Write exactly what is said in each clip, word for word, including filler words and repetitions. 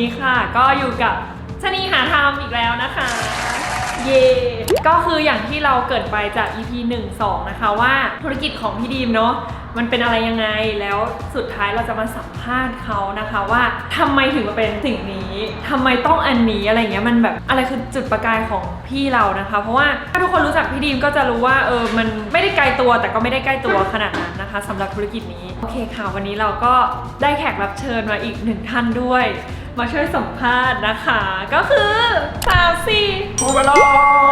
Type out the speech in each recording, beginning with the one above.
ค่ะก็อยู่กับชนีหาธรรมอีกแล้วนะคะเย่ก็คืออย่างที่เราเกิดไปจาก อี พี หนึ่ง สองนะคะว่าธุรกิจของพี่ดีมเนาะมันเป็นอะไรยังไงแล้วสุดท้ายเราจะมาสัมภาษณ์เขานะคะว่าทำไมถึงมาเป็นสิ่งนี้ทำไมต้องอันนี้อะไรเงี้ยมันแบบอะไรคือจุดประกายของพี่เรานะคะเพราะว่าถ้าทุกคนรู้จักพี่ดีมก็จะรู้ว่าเออมันไม่ได้ไกลตัวแต่ก็ไม่ได้ใกล้ตัวขนาดนั้นนะคะสำหรับธุรกิจนี้โอเคค่ะวันนี้เราก็ได้แขกรับเชิญมาอีกหนึ่งท่านด้วยมาช่วยสัมภาษณ์นะคะก็คือสาวซี่พูดไปแล้ว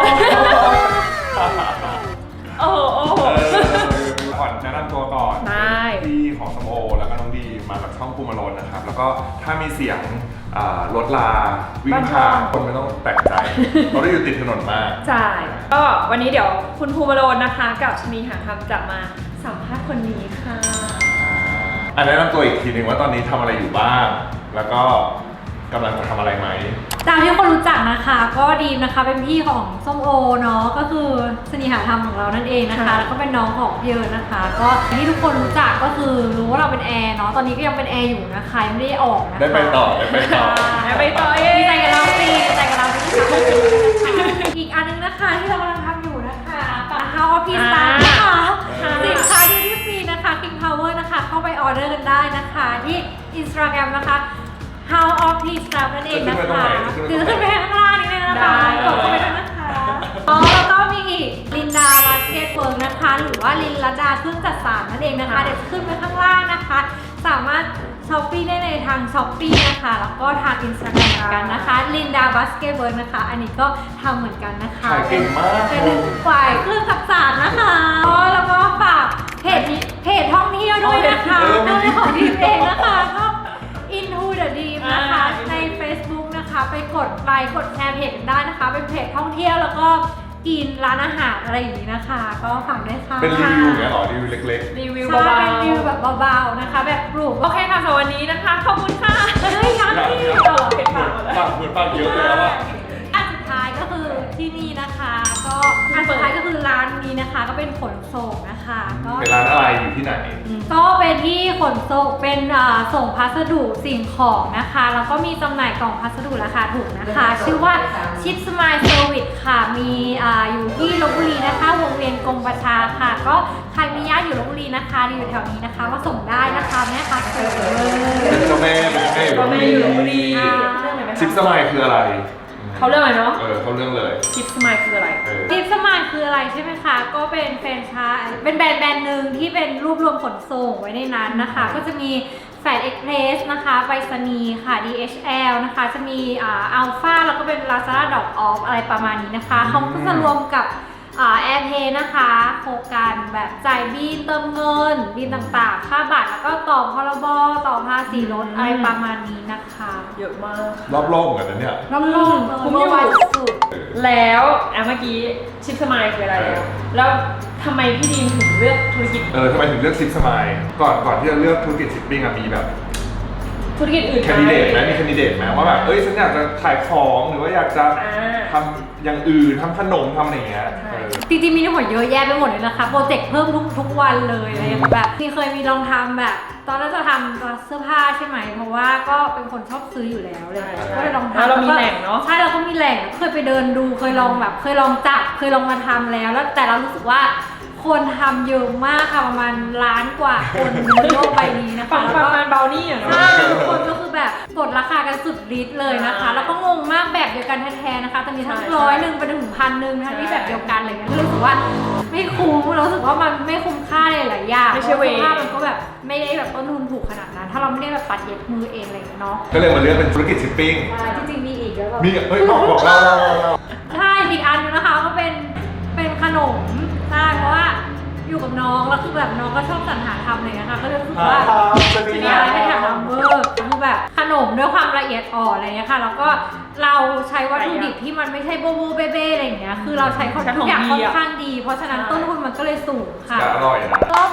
โอ้โหโอ้โหก่อนแนะนำตัวก่อนได้พี่ของสมโอแล้วก็น้องดีมาจากช่องภูมิโลนนะครับแล้วก็ถ้ามีเสียงรถลาวิ่งผ่านคนไม่ต้องแปลกใจเพราะเราอยู่ติดถนนมากใช่ก็วันนี้เดี๋ยวคุณภูมิโลนนะคะกับชนีหาธรรมจะมาสัมภาษณ์คนนี้ค่ะอันแนะนำตัวอีกทีหนึ่งว่าตอนนี้ทำอะไรอยู่บ้างแล้วก็กำลังจะทำอะไรไหมตามที่คนรู้จักนะคะก็ดีมนะคะเป็นพี่ของส้มโอเนาะก็คือชนีหาธรรมของเรานั่นเองนะคะแล้วก็เป็นน้องของพี่เอิญนะคะก็ที่ทุกคนรู้จักก็คือรู้ว่าเราเป็นแอร์เนาะตอนนี้ก็ยังเป็นแอร์อยู่นะคะยังไม่ได้ออกนะคะได้ไปต่อได้ไปต่อได้ไปต่อเอดีใจกับเราสิดีใจกับเราสิอีกอันนึงนะคะที่เรากำลังทำอยู่นะคะปะ House of Peace นะคะสินค้าที่ฟรีนะคะ King Power นะคะเข้าไปออเดอร์กันได้นะคะที่ Instagram นะคะHouse of Peace นั่นเองนะคะคือขึ้นไปข้างล่างนี่เลยนะคะกดเข้าไปด้วยนะคะอ๋อแล้วก็มีอีกลินดาบาสเกตเวิร์กนะคะหรือว่าลินลดาเครื่องจัดสารนั่นเองนะคะเดี๋ยวขึ้นไปข้างล่างนะคะสามารถช้อปปี้ได้ในทางช้อปปี้นะคะแล้วก็ทางอินสตาแกรมเหมือนกันนะคะลินดาบาสเกตเวิร์กนะคะอันนี้ก็ทำเหมือนกันนะคะขายเก่งมากเป็นฝ่ายเครื่องจัดสารนะคะแล้วก็ฝากเพจเพจท่องเที่ยวด้วยนะคะด้วยของดีมเองนะคะInto the Dream นะคะใน Facebook นะคะไปกดไลค์กดแชร์เพจกันได้นะคะเป็นเพจท่องเที่ยวแล้วก็กินร้านอาหารอะไรอย่างนี้นะคะก็ฝากด้วยค่ะเป็นรีวิวอย่างเงี้ยหรอรีวิวเล็กๆรีวิวเบาๆเป็นรีวิวแบบเบาๆนะคะแบบปลูกโอเคค่ะสำหรับวันนี้นะคะขอบคุณค่ะเฮ้ยยังนี่ต่อเก็บปากหมดแล้วปากเหมือนปากเยอะเลยว่าอันสุดท้ายก็คือที่นี่นะคะก็อันสุดท้ายก็คือร้านนี้นะคะก็เป็นขนส่งนะคะก็เป็นร้านอะไรอยู่ที่ไหนก็เป็นที่ขนส่งเป็นส่งพัสดุสิ่งของนะคะแล้วก็มีจำหน่ายกล่องพัสดุราคาถูกนะคะชื่อว่าชิปสมายเซอร์วิสค่ะมีอยู่ที่ลพบุรีนะคะวงเวียนกรมประชาค่ะก็ใครมีญาติอยู่ลพบุรีนะคะอยู่แถวนี้นะคะก็ส่งได้นะคะแม่ค้าเซอร์เป็นเจ้าแม่เป็นเจ้าแม่อยู่ลพบุรีชิปสมายคืออะไรเขาเรื่องอะไรเนาะเออเขาเรื่องเลยชิปสมายคืออะไรชิปสมายคืออะไรใช่ไหมคะก็เป็นแฟรนไชส์เป็นแบรนด์แบรนด์หนึ่งที่เป็นรวบรวมขนส่งไว้ในนั้นนะคะก็จะมีแฟดเอ็กเพรสนะคะไปรษณีย์ค่ะ ดี เอช แอล นะคะจะมีอ่าอัลฟาแล้วก็เป็น Lazada Drop Off อะไรประมาณนี้นะคะเขาก็จะรวมกับแอร์เพย์นะคะโครงการแบบจ่ายบินเติมเงินบินต่างๆค่าบัตรแล้วก็ต่อพรบต่อภาษีรถอะไรประมาณนี้นะคะเยอะมากรอบโลกเหมือนกันเนี่ยรอบโลกคุ้มอยู่แล้วอ่ะเมื่อกี้ชิปสมายคืออะไรแล้วแล้วทำไมพี่ดีมถึงเลือกธุรกิจเออทำไมถึงเลือกชิปสมายก่อนก่อนที่จะเลือกธุรกิจชิปปิ้งอะมีแบบธุรกิจอื่นแคนดิเดตไหมมีแคนดิเดตไหมว่าแบบเอ้ยฉันอยากจะขายของหรือว่าอยากจะทำอย่างอื่นทำขนมทำอะไรอย่างเงี้ยจริงๆมีทั้งหมดเยอะแยะไปหมดเลยนะคะโปรเจกต์เพิ่มทุกทุกวันเลยอะไรอย่างแบบมีเคยมีลองทำแบบตอนนั้นจะทำเสื้อผ้าใช่ไหมเพราะว่าก็เป็นคนชอบซื้ออยู่แล้วเลยก็เลยลองทำเรามีแหล่งเนาะใช่เราก็มีแหล่งเคยไปเดินดูเคยลองแบบเคยลองจับเคยลองมาทำแล้วแล้วแต่เรารู้สึกว่าคนทำเยอะมากค่ะประมาณล้านกว่าคนบนโลกใบนี้นะคะประมาณเบลนี่อะเนาะทุกคนก็คือแบบกดราคากันสุดฤทธิ์เลยนะคะแล้วก็งงมากแบบเดียวกันแท้ๆนะคะตอนนี้ทั้งร้อยหนึ่งไปถึงพันหนึ่งทั้งที่แบบเดียวกันอะไรเงี้ยรู้สึกว่าไม่คุ้มเราสึกว่ามันไม่คุ้มค่าเลยหลายอย่างไม่ใช่เวค่ามันก็แบบไม่ได้แบบต้นทุนถูกขนาดนั้นถ้าเราไม่ได้แบบปัดเย็บมือเองอะไรอย่างเงี้ยเนาะก็เลยมาเลือกเป็นธุรกิจชิปปิ้งจริงๆมีอีกแล้วมีเฮ้ยบอกบอกเราเราใช่อีกอันนึงนะคะก็เป็นเป็นขนมใช่เพราะว่าอยู่กับน้องแล้วคือแบบน้องก็ชอบสรรหาทำอะไรนะคะก็เลยรู้สึกว่าจะมีอะไรให้ทำเวอร์คือแบบขนมด้วยความละเอียดอ่อนอะไรเงี้ยค่ะแล้วก็เราใช้วัตถุดิบที่มันไม่ใช่โบโบเบ้เบ้อะไรอย่างเงี้ยคือเราใช้ทุกอย่างค่อนข้างดีเพราะฉะนั้นต้นทุนมันก็เลยสูงค่ะอร่อยนะก็มันอร่อยจ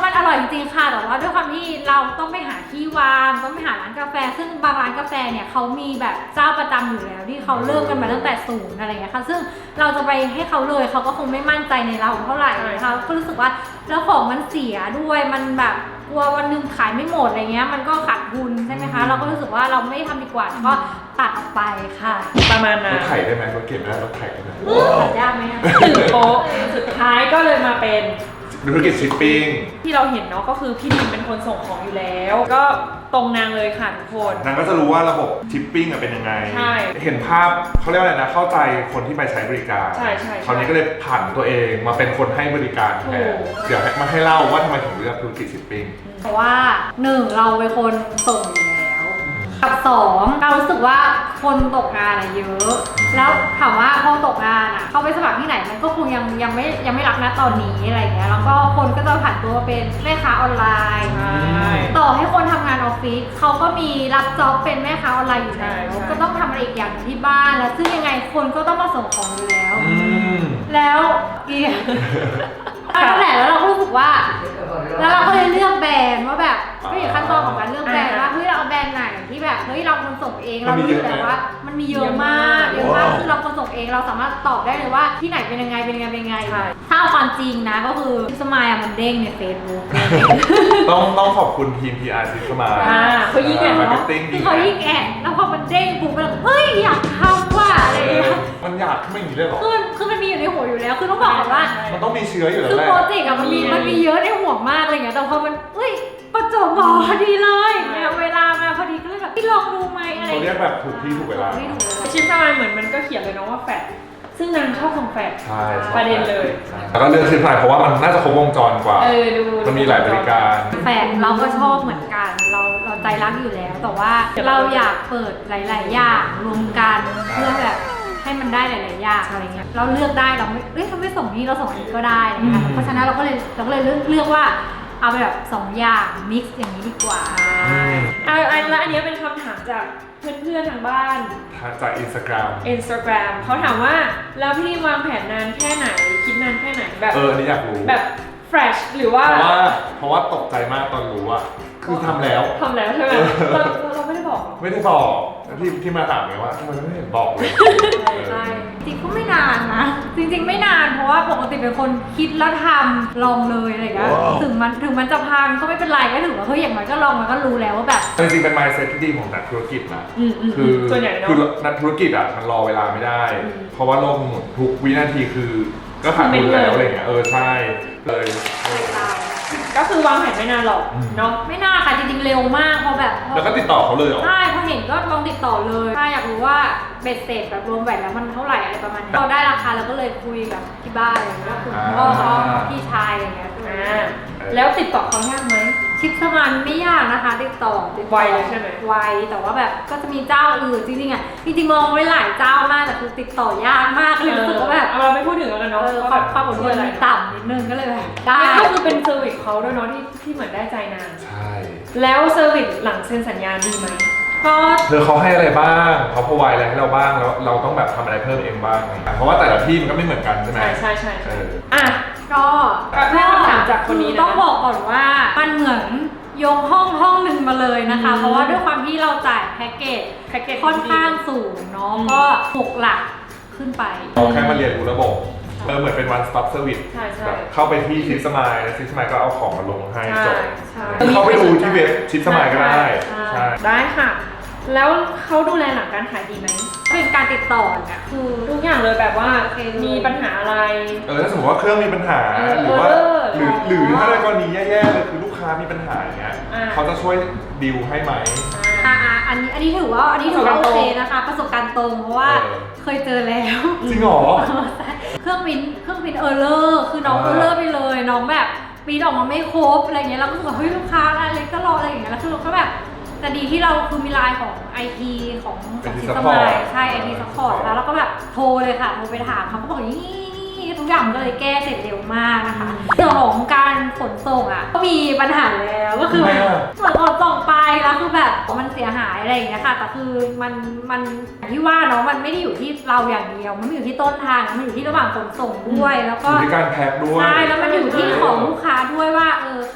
จริงค่ะแต่ว่าด้วยความที่เราต้องไปหาที่วางต้องไปหาร้านกาแฟซึ่งบางร้านกาแฟเนี่ยเขามีแบบเจ้าประจำอยู่แล้วที่เขาเริ่มกันมาตั้งแต่ศูนย์อะไรเงี้ยค่ะซึ่งเราจะไปให้เขาเลยเขาก็คงไม่มั่นใจในเราเท่าไหร่นะคะก็รู้สึกว่าแล้วของมันเสียด้วยมันแบบกลัววันหนึงขายไม่หมดอะไรเงี้ยมันก็ขาดทุนใช่ไหมคะเราก็รู้สึกว่าเราไม่ทำดีกว่าก็ตัดออกไปค่ะประมาณรนั้นถไถได้ไหมรถเก็บไม่ได้รถไถได้ไหมตัดยากไหมอะถึงโป๊ะสุดท้ายก็เลยมาเป็นธุรกิจชิปปิ้งที่เราเห็นเนาะก็คือพี่ดิมเป็นคนส่งของอยู่แล้ว ก็ตรงนางเลยค่ะทุกคนนางก็จะรู้ว่าระบบชิปปิ้งเป็นยังไงใช่เห็นภาพเขาเรียกว่าอะไรนะ เข้าใจคนที่ไปใช้บริการใช่ใช่คราวนี้ก็เลยผ่านตัวเองมาเป็นคนให้บริการแทถูนกเดี๋ยวให้มาให้เล่าว่าทำไมถึงเลือกธุรกิจชิปปิ้งเพราะว่าหนึ่งเราเป็นคนส่งอยู่แล้วกับสองเรารู้สึกว่าคนตกงานอะเยอะ แล้วถามว่าพอตกงานอะเขาไปสมัครที่ไหนมันก็คงยังยังไม่ยังไม่รับนะตอนนี้อะไรเงี้ยแล้วก็คนก็จะผ่านตัวมาเป็นแม่ค้าออนไลน์ใช่ต่อให้คนทำงานออฟฟิศเขาก็มีรับจ็อบเป็นแม่ค้าออนไลน์อยู่แล้วใช่ใช่ก็ต้องทำอะไรอีกอย่างที่บ้านแล้วซึ่งยังไงคนก็ต้องมาส่งของอยู่แล้วอืมแล้วเกียร์นั่นแหละแล้วเราก็รู้สึกว่า แล้วเราก็เลยเลือกแบรนด์ว่าแบบก็อยู่ขั้นตอนของการเลือกแบรนด์ว่าเฮ้ยเราเอาแบรนด์ไหนที่แบบเฮ้ยเราคนส่งเองเรารู้อยู่แล้วว่ามันมีเยอะมากเยอะมากคือเราคนส่งเองเราสามารถตอบได้เลยว่าที่ไหนเป็นยังไงเป็นยังไงเป็นยังไงใช่ถ้าเอาความจริงนะก็คือสมายอะมันเด้งในเฟซบุ๊กต้องต้องขอบคุณทีม พี อาร์ ซิสมาอ่าเขายิ่งแอนมาร์เนาะเก็ตติ้งคือเขายิ่งแอดแล้วพอมันเด้งปุ๊บมันเฮ้ยอยากทำว่ะอะไรอย่างเงี้ยมันอยากไม่อย่างนี้เลยเหรอคือคือมันมีอยู่ในหัวอยู่แล้วคือต้องบอกก่อนว่ามันต้องมีเชื้ออยู่แล้วคือแหละโปรเจกต์อะมันมีมันมีเยอะในหัวมากอะไรเงี้ยแต่พอมันเฮ้ยประจวบเหมาะพอดีเลยเนี่ยเวลามาพอดีก็เลยแบบพี่ลองดูไหมอะไรเขาเรียกแบบถูกที่ถูกเวลาไม่ถูกเวลาชิปสมายเหมือนมันก็เขียนเลยเนาะว่าแฟดซึ่งนางชอบส่งแฟดใช่ใช่ประเด็นเลยใช่แล้วก็เลือกชิปไลน์เพราะว่ามันน่าจะครบวงจรกว่าเออดูมันมีหลายบริการแฟนเราก็ชอบเหมือนกัน เราเราใจรักอยู่แล้ว แต่ว่าเราอยากเปิดหลาย ๆ อย่างรวมกันเพื่อแบบให้มันได้หลาย ๆ อย่างอะไรเงี้ยเราเลือกได้เราไม่เอ้ยถ้าไม่ส่งนี้เราส่งอันนี้ก็ได้อะไรเงี้ยอืมเพราะฉะนั้นเราก็เลยเราก็เลยเลือกเลือกว่าเอาไปแบบสองอย่างมิกซ์อย่างนี้ดีกว่าใช่อ่ะอันแล้วอันนี้เป็นคำถามจากเพื่อนๆทางบ้านจากอินสตาแกรม Instagram เขาถามว่าแล้วพี่ดิมวางแผนนานแค่ไหนคิดนานแค่ไหนแบบเออ อันนี้อยากรู้แบบ fresh หรือว่าเพราะว่าเพราะว่าตกใจมากตอนรู้อะคือทำแล้วทำแล้วใช่ไหมเราเราไม่ได้บอกหรอไม่ได้บอกที่ที่มาถามไงว่าทำไมไม่เห็นบอกเลยใช่จริงก็ไม่นานนะ จริงๆไม่นานเพราะว่าปกติเป็นคนคิดแล้วทำลองเลยอะไรอย่างเงี้ยว้าวถึงมันถึงมันจะพังก็ไม่เป็นไรก็ถือว่าเฮ้ยอย่างน้อยก็ลองมันก็รู้แล้วว่าแบบจริงๆเป็น mindset ที่ดีของนักธุรกิจนะอืมอืมคือส่วนใหญ่เนาะคือนักธุรกิจอ่ะมันรอเวลาไม่ได้อืมเพราะว่าโลกหมุนทุกวินาทีคือก็ขาดทุนแล้วอะไรเงี้ยเออใช่เลยเออก็คือวางแผนไม่นานหรอกอืมเนาะไม่น่าค่ะจริงๆเร็วมากเพราะแบบพอแล้วก็ติดต่อเขาเลยเหรอใช่พอเห็นก็ลองติดต่อเลยถ้าอยากรู้ว่าเบ็ดเสร็จแบบรวมแหวนแล้วมันเท่าไหร่อะไรประมาณนี้เราได้ราคาเราก็เลยคุยกับที่บ้านอะไรอย่างเงี้ยคุณพ่อเขาพี่ชายอะไรอย่างเงี้ยอ่าแล้วติดต่อเขายากไหมชิปสมันไม่ยากนะคะติดต่อติดต่อไวเลยใช่ไหมไวแต่ว่าแบบก็จะมีเจ้าอื่นจริงๆอ่ะจริงๆมองไว้หลายเจ้ามากแต่คือติดต่อยากมากเลยรู้สึกว่าแบบเราไม่พูดถึงแล้วกันเอเนาะอความความอดทนมีต่ำนิดนึงก็เลยแบบได้ก็คือเป็นเซอร์วิสเขาด้วยเนาะที่ที่เหมือนได้ใจนางใช่แล้วเซอร์วิสหลังเซ็นสัญญาดีไหมก็เธอเขาให้อะไรบ้างเขาพอไวอะไรให้เราบ้างแล้วเราต้องแบบทำอะไรเพิ่มเองบ้างเพราะว่าแต่ละที่มันก็ไม่เหมือนกันใช่ไหมใช่ใช่ใช่เอใช่ออ่ะก็แม่คำถามจากคนนี้นะต้องบอกก่อนว่ามันเหมือนยกห้องห้องหนึ่งมาเลยนะคะอืมเพราะว่าด้วยความที่เราจ่ายแพ็กเกจแพ็กเกจค่อนข้างสูงเนาะอืมก็หกหลักขึ้นไปเราแค่มาเรียนรู้ระบบเออเหมือนเป็น one stop service ใช่ใช่แบบเข้าไปที่ชิปสมายแล้วชิปสมายก็เอาของมาลงให้จบใช่เข้าไปดูที่เว็บชิปสมายก็ได้ใช่ใช่ได้ค่ะ แล้วเขาดูแลหลังการขายดีไหมเป็นการติดต่อเนี่ยคือทุกอย่างเลยแบบว่าโอเคเลยมีปัญหาอะไรเออถ้าสมมติว่าเครื่องมีปัญหาเออหรือว่าเออหรือเออหรือถ้าในกรณีแย่ๆเลยคือลูกค้ามีปัญหาอย่างเงี้ยอ่าเขาจะช่วยดีลให้ไหมอ่าอ่าอันนี้อันนี้ถือว่าอันนี้ถือว่าโอเคนะคะ ประสบการณ์ตรงเพราะว่าเออเคยเจอแล้วจริงเหรอเครื่องบินเครื่องบินเออร์เลอร์คือน้องเออ่าอร์เลอร์ไปเลยน้องแบบปีนออกมาไม่ครบอะไรเงี้ยเราก็รู้สึกว่าเฮ้ยลูกค้าอะไรก็รออะไรอย่างเงี้ยแล้วคือเราก็แบบแต่ดีที่เราคือมีไลน์ของ ไอ ที ของของซิสเตอร์มายใช่ ไอ ที ซัพพอร์ตแล้วเราก็แบบโทรเลยค่ะโทรไปถามเขาก็บอกอย่างนี้ทุกอย่างมันก็เลยแก้เสร็จเร็วมากนะคะเรื่องของการขนส่งอ่ะก็มีปัญหาแล้วก็คือทำไมอะเหมือนขนส่งไปแล้วคือแบบมันเสียหายอะไรอย่างเงี้ยค่ะแต่คือมันมันอย่างที่ว่าเนาะมันไม่ได้อยู่ที่เราอย่างเดียวมันไม่อยู่ที่ต้นทางมันอยู่ที่ระหว่างขนส่งด้วยแล้วอก็ยู่ที่การแพ็คด้วยใช่แล้วมันอยู่ที่ของลูกค้าด้วยว่าเออเขา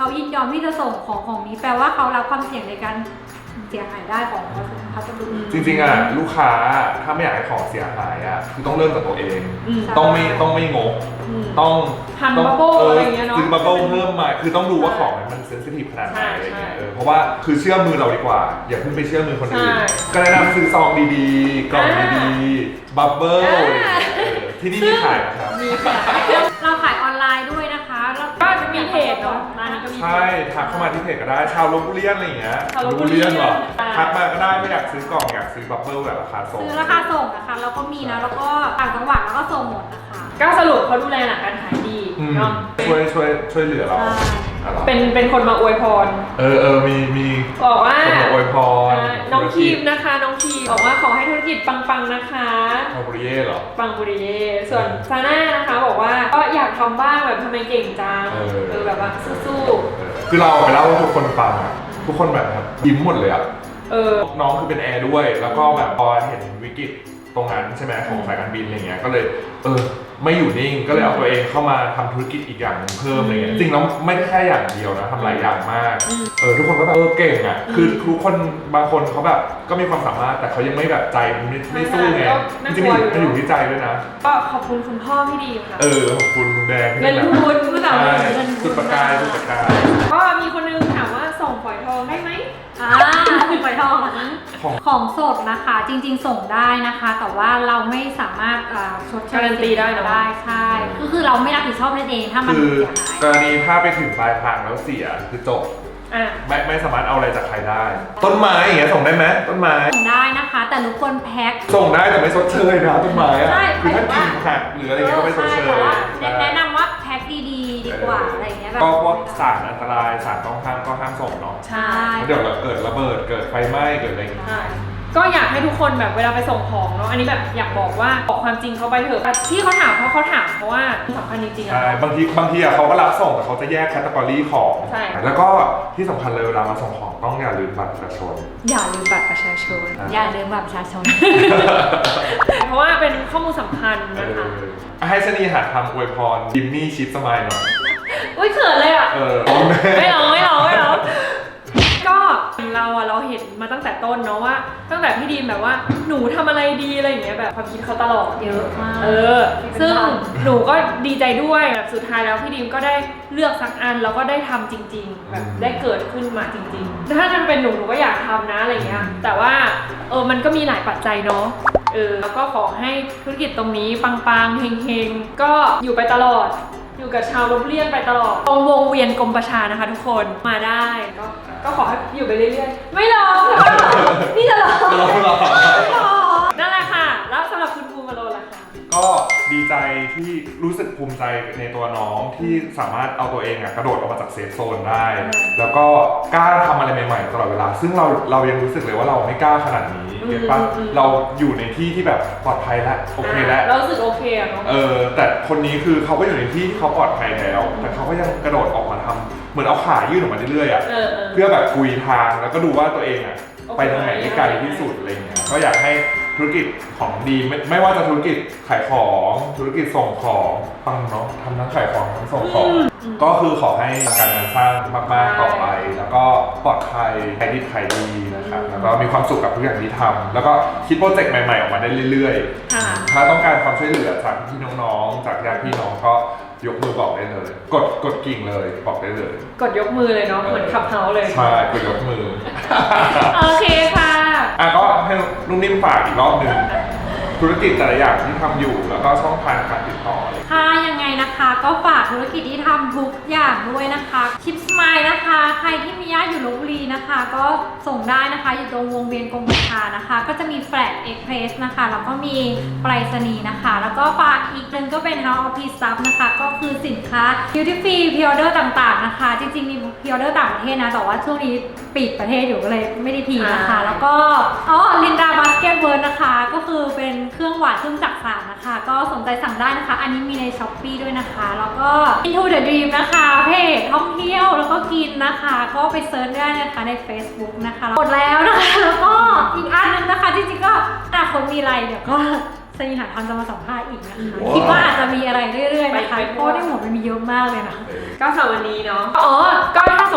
ยินยอมที่จะส่งของของนี้แปลว่าเขารับความเสี่ยงในการเสียหายได้ของพัสดุจริงๆอ่ะลูกค้าถ้าไม่อยากให้ของเสียหายอ่ะคือต้องเริ่มจากตัวเองอืมต้องไม่ต้องไม่งกอืมต้องทำต้องบับเบิ้ลเออะไรออย่างเงี้ยเนาะซื้อบับเบิ้ลเพิ่มมาคือต้องดูว่าของมันเซนซิทีฟขนาดไหนใช่อะไรเงี้ยใช่เออเพราะว่าคือเชื่อมือเราดีกว่า อย่าเพิ่งไปเชื่อมือคนอื่นใช่ก็แนะนำซื้อซองดีๆกล่องอ่าดีๆบับเบิ้ลอ่าที่นี่มีขายนะครับมีค่ะเราขายออนไลน์ด้วยนะคะแล้วก็จะมีเพจเนาะร้านนี้ก็มีเพจใช่ทักเข้ามาที่เพจก็ได้ชาวลพบุรีอะไรอย่างเงี้ยชาวลพบุรีบุรีเหรออ่าทักมาก็ได้ไม่อยากซื้อกล่องอยากซื้อบับเบิ้ลแบบราคาส่งซื้อราคาส่งนะคะแล้วก็มีนะแล้วก็ต่างจังหวัดแล้วก็ส่งหมดนะคะก็สรุปเขาดูแลหลังการขายดีอืมเนาะช่วยช่วยช่วยเหลือเราใช่อะไรเป็นเป็นคนมาอวยพรเออเออมีมีบอกว่าคนมาอวยพรอ่าน้องทีมนะคะ น้องทีมบอกว่าขอให้ธุรกิจปังๆนะคะชาวบุรีเหรอปังบุรีเย่ส่วนซาน่านะคะบอกว่าก็อยากทำบ้างแบบทำไมเก่งจังเออเออแบบว่าสู้คือเราไปเล่าให้ทุกคนฟังอะทุกคนแบบยิ้มหมดเลยอะๆเออน้องคือเป็นแอร์ด้วย แล้วก็แบบพอเห็นวิกฤตตรงนั้นใช่ไหมของสายการบินอะไรเงี้ยก็เลยเออไม่อยู่นิ่งก็เลยเอาตัวเองเข้ามาทำธุรกิจอีกอย่างหนึงเพิ่มอะไรเงี้ยจริงแล้วไม่ได้แค่อย่างเดียวนะทำหลายอย่างมากอืมเออทุกคนก็แบบเออเก่งอะคือทุกคนบางคนเขาแบบก็มีความสามารถแต่เขายังไม่แบบใจมันไม่ไม่สู้ไงก็จน่าริงกลัวๆอยู่มันอยู่ที่ใจด้วยนะก็ขอบคุณคุณพ่อที่ดีค่ะเออขอบคุณคุณแดงที่เงินแบบทุนผู้สาวใช่เงินทุนจุดประกายจุดประกายก็มีคนนึงถามว่าส่งฝอยทองได้ไหมอ่าฝอยทองเหรอคะของของสดนะคะจริงๆส่งได้นะคะ แต่ว่าเราไม่สามารถอ่าชดเชยการันตีได้เนอะได้ใช่ก็คือเราไม่รับผิดชอบนั่นเองถ้ามันคือเสียหายกรณีถ้าไปถึงปลายทางแล้วเสียคือจบอ่ะไม่ไม่สามารถเอาอะไรจากใครได้ ต้นไม้อย่างเงี้ยส่งได้ไหมต้นไม้ส่งได้นะคะ แต่รบกวนแพ็คส่งได้แต่ไม่ชดเชยนะต้นไม้อะใช่คือถ้าหมายถึกิ่งงว่าหักหรืออะไรเงี้ยก็ไม่ชดเชใช่แต่ยว่าใช่แนะนำว่าแพ็คดีๆดีกว่าอะไรอย่างเงี้ยแบบก็พวกสารอันตรายสารต้องห้ามก็ห้ามส่งเนาะใช่เพราะเดี๋ยวเราเกิดระเบิดเกิดไฟไหม้เกิดอะไรอย่างเงี้ยใช่ก็อยากให้ทุกคนแบบเวลาไปส่งของเนาะอันนี้แบบอยากบอกว่าบอกความจริงเขาไปเถอะแต่ที่เขาถามเพราะเขาถามเพราะว่าสำคัญจริงๆอะใช่บางทีบางทีอะเขาก็รับส่งแต่เขาจะแยกแคตตากรีของใช่แล้วก็ที่สำคัญเลยเวลามาส่งของต้องอย่าลืมบัตรประชาชนอย่าลืมบัตรประชาชนอ่ะอย่าลืมบัตรประชาชนเพราะว่าเป็นข้อมูลสำคัญเอนะคะอให้ชนีหัดทำอวยพรดิมมี่ชิปสมายหน่อยอุ้ยเขินเลยอ่ะเออร้องแม่ไม่ร้องไม่ร้องไม่ร้องก็เราอะเราเห็นมาตั้งแต่ต้นเนาะว่า ตั้งแต่พี่ดีมแบบว่าหนูทำอะไรดีอะไรอย่างเงี้ยแบบความคิดเขาตลอดเยอะมากเออ ซึ่งหนูก็ดีใจด้วยแบบสุดท้ายแล้วพี่ดีมก็ได้เลือกสักอันแล้วก็ได้ทำจริง ๆ แบบได้เกิดขึ้นมาจริงๆถ้ามันเป็นหนูหนูก็อยากทำนะอะไรเงี้ยแต่ว่าเออมันก็มีหลายปัจจัยเนาะเออแล้วก็ขอให้ธุรกิจตรงนี้ปังๆเฮงๆก็อยู่ไปตลอด อยู่กับชาวลพเลียนไปตลอดตรงวงเวียนกรมประชานะคะทุกคนมาได้ก็ก็ขอให้อยู่ไปเรื่อยๆไม่ร้องค่ะนี่จะร้องร้องหรอนั่นแหละค่ะแล้วสำหรับคุณภูมิมาโลล่ะคะก็ดีใจที่รู้สึกภูมิใจในตัวน้องที่สามารถเอาตัวเองอะกระโดดออกมาจากเซฟโซนได้ แล้วก็กล้าทำอะไรใหม่ๆตลอดเวลา ซึ่งเราเรายังรู้สึกเลยว่าเราไม่กล้าขนาดนี้เก็ตปะเราอยู่ในที่ที่แบบปลอดภัยแล้วโอเคแล้วเรารู้สึกโอเคอะเนาะเออแต่คนนี้คือเขาก็อยู่ในที่ที่เขาปลอดภัยแล้ว แต่เขาก็ยังกระโดดออกมาทำเหมือนเอาขายื่นออกมาเรื่อยๆอะเออเออเพื่อแบบคุยทางแล้วก็ดูว่าตัวเองอะโอเคไปทางไหนได้ไกลที่สุดอะไรเงี้ยก็อยากให้ธุรกิจของดีไม่ไม่ว่าจะธุรกิจขายของธุรกิจส่งของฟังเนาะทำทั้งขายของทั้งส่งของ ก็คือขอให้การงานสร้างมากๆต่อไป แล้วก็ปลอดภัยขายดีขายดีนะครับแล้วก็มีความสุขกับทุกอย่างที่ทำแล้วก็คิดโปรเจกต์ใหม่ๆออกมาได้เรื่อยๆค่ะถ้าต้องการความช่วยเหลือจากพี่น้องๆ จากญาติพี่น้องก็ยกมือบอกได้เลย กดกดกิ่งเลยบอกได้เลยกดยกมือเลยเนาะเหมือนขับเฮาเลยใช่กดยกมือโอเคค่ะอ่ะก็ให้นุ่มนิ่มฝากอีกรอบหนึ่งธุรกิจแต่ละอย่างที่ทำอยู่แล้วก็ช่องทางการติดต่อเลยค่ะยังไงนะคะก็ฝากธุรกิจที่ทำทุกอย่างด้วยนะคะชิปสมายนะคะใครที่มีญาติอยู่ลพบุรีนะคะ ก็ส่งได้นะคะอยู่ตรงวงเวียนกรมประชานะคะ ก็จะมีแฟลตเอ็กเพรสนะคะแล้วก็มีไปรษณีย์นะคะ แล้วก็ฝากอีกหนึ่งก็เป็น House of Peace Stuff นะคะก็คือสินค้า Duty Free Pre Order ต่างๆนะคะ จริงๆมี Pre Order ต่างประเทศนะแต่ว่าช่วงนี้ปิดประเทศอยู่ก็เลยไม่ได้พีนะคะ แล้วก็อ๋อลินดาบาสเกตเวิร์ดนะคะก็คือเป็นเครื่องหวานเครื่องจักสานนะคะ ก็สนใจสั่งได้นะคะ อันนี้มีใน Shopee ด้วยนะคะ แล้วก็ Into the Dream นะคะเพจท่องเที่ยวแล้วก็กินนะคะ ก็ไปเซิร์ชได้นะคะใน Facebook นะคะหมดแล้วนะคะ แล้วก็อีกอันนึงนะคะจริงๆก็อนาคตมีอะไรเดี๋ยวก็สนิหาทำจะมาสัมภาษณ์อีกนะคะว้าวคิดว่าอาจจะมีอะไรเรื่อยๆนะคะไปไปเพราะในหัวมันมีเยอะมากเลยนะก็สำหรับวันนี้เนาะ อ๋อ ก็ถ้า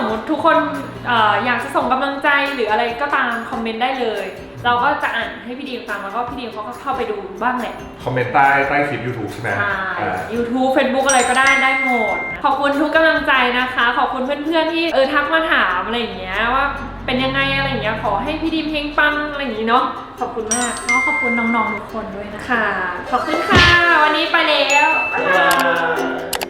คนเอ่ออยากจะส่งกำลังใจหรืออะไรก็ตามคอมเมนต์ได้เลย เราก็จะอ่านให้พี่ดีมฟังแล้วก็พี่ดีมเขาก็เข้าไปดูบ้างแหละคอมเมนต์ใต้ใต้คลิป YouTube ใช่ไหมใช่อ่า YouTube Facebook อะไรก็ได้ได้หมดนะขอบคุณทุกกำลังใจนะคะ ขอบคุณเพื่อนๆที่เออทักมาถามอะไรอย่างเงี้ยว่าเป็นยังไงอะไรอย่างเงี้ยขอให้พี่ดีมเฮงปังอะไรอย่างงี้เนาะขอบคุณมากก็ขอบคุณน้องๆทุกคนด้วยนะคะค่ะ ขอบคุณค่ะ วันนี้ไปแล้วบ๊ายบาย